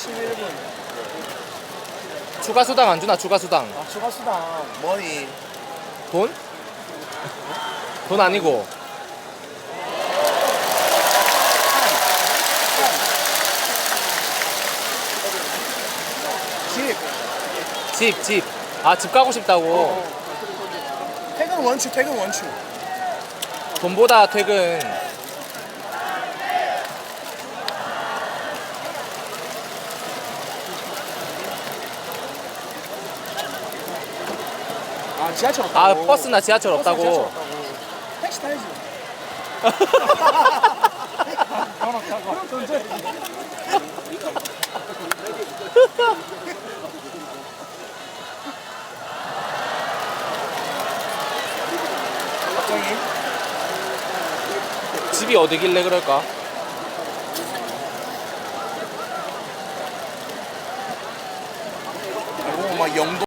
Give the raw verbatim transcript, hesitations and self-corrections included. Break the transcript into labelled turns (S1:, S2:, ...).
S1: 십일 분.
S2: 추가 수당 안 주나? 추가 수당.
S1: 아, 추가 수당.
S3: 머니.
S2: 돈? 돈 아니고.
S1: 집.
S2: 집, 집. 아, 집 가고 싶다고.
S1: 퇴근 원추, 퇴근 원추.
S2: 돈보다 퇴근.
S1: 아, 지하철 없다고.
S2: 아, 버스나 지하철
S1: 버스나
S2: 없다고.
S1: 지하철 없다고. 택시 타야지. 돈 없다고. 그럼 돈 줘야지. 갑자기?
S2: 집이 어디길래 그럴까?
S3: 오, 막 영도.